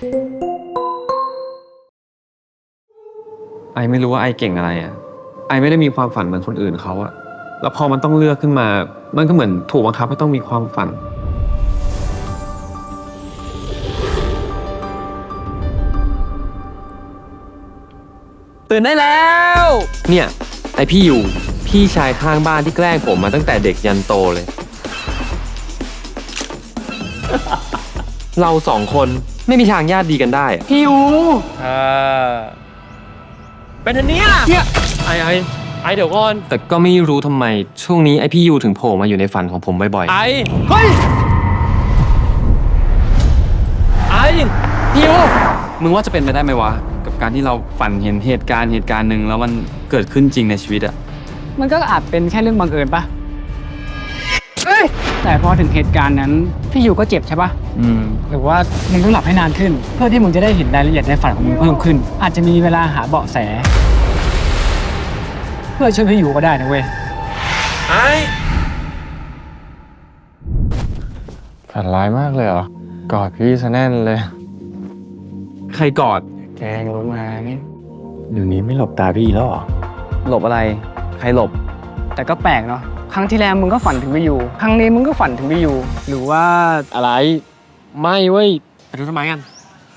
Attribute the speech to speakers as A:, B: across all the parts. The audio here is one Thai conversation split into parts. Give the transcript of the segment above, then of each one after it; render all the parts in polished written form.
A: ไอไม่รู้ว่าไอเก่งอะไรอ่ะไอไม่ได้มีความฝันเหมือนคนอื่นเขาอะแล้วพอมันต้องเลือกขึ้นมามันก็เหมือนถูกบังคับให้ต้องมีความฝันตื่นได้แล้วเนี่ยไอพี่อยู่พี่ชายข้างบ้านที่แกล้งผมมาตั้งแต่เด็กยันโตเลย เราสองคนไม่มีทางญาติดีกันได้อะพี่อยู่เป็นอันเนี้ยไอเดี๋ยวก่อนแต่ก็ไม่รู้ทำไมช่วงนี้ไอพี่ยูถึงโผล่มาอยู่ในฝันของผมบ่อยๆเฮ้ยพี่ยูมึงว่าจะเป็นไปได้ไหมวะกับการที่เราฝันเห็นเหตุการณ์หนึ่งแล้วมันเกิดขึ้นจริงในชีวิตอะ
B: มันก็อาจเป็นแค่เรื่องบังเอิญปะแต่พอถึงเหตุการณ์นั้นพี่ยูก็เจ็บใช่ปะหรือว่ามึงต้องหลับให้นานขึ้นเพื่อที่มึงจะได้เห็นรายละเอียดในฝันของมึงเพิ่มขึ้นอาจจะมีเวลาหาเบาะแสเพื่อช่วยพี่ยูก็ได้นะเว้ย
A: ฝันร้ายมากเลยเหรอ กอดพี่ซะแน่นเลย ใครกอดแกงลงมาเดี๋ยวนี้ไม่หลบตาพี่แล้วหรอ หลบอะไร ใครหลบ
B: แต่ก็แปลกเนาะครั้งที่แล้วมึงก็ฝันถึงพี่ยูครั้งนี้มึงก็ฝันถึงพี่ยูหรือว่า
A: อะไร ไม่เว้ยไปดูทำไมกัน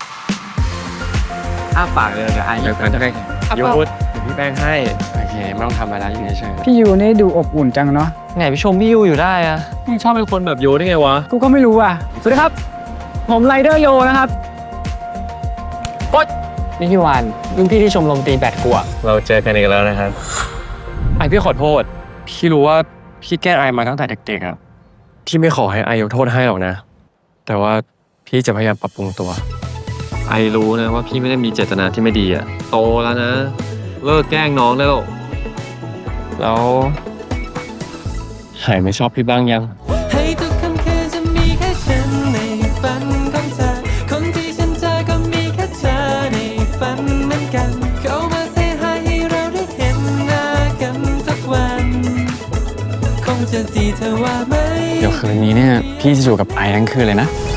A: อ้าปากเลยเดี๋ยวไอ้เดี๋ยวจะได้ยูดเดี๋ยวพี่แป้งให้โอเคไม่ต้องทำอะไรอยู่เฉย
B: พี่ยูนี่ดูอบอุ่นจังเนาะ
A: ไงไปชมพี่ยูอยู่ได้อะนี่ชอบเป็นคนแบบยูได้ไงวะ
B: กูก็ไม่รู้อ่ะสวัสดีครับผมไรเดอร์โยนะครับนี่พี่วานรุ่นพี่ที่ชมรมตีแบดกูอะ
A: เราเจอกันอีกแล้วนะครับไอพี่ขอโทษพี่รู้ว่าพี่แกล้งไอมาตั้งแต่เด็กๆอะพี่ไม่ขอให้ไอยกโทษให้หรอกนะแต่ว่าพี่จะพยายามปรับปรุงตัวไอรู้นะว่าพี่ไม่ได้มีเจตนาที่ไม่ดีอะโตแล้วนะเลิกแกล้งน้องได้แล้วหายไม่ชอบพี่บ้างยัง
C: ให้ทุกค่ำคืนจะมีแค่ฉันในฝันของเธอคนที่ฉันเจอก็มีแค่เธอในฝันเหมือนกันเข้ามาเซฮายให้เราได้เห็นหน้ากันทุกวันคงจะดีเธอว่าไหม
B: เดี๋ยวคืนนี้เนี่ยพี่จะอยู่กับไอทั้งคืนเลยนะ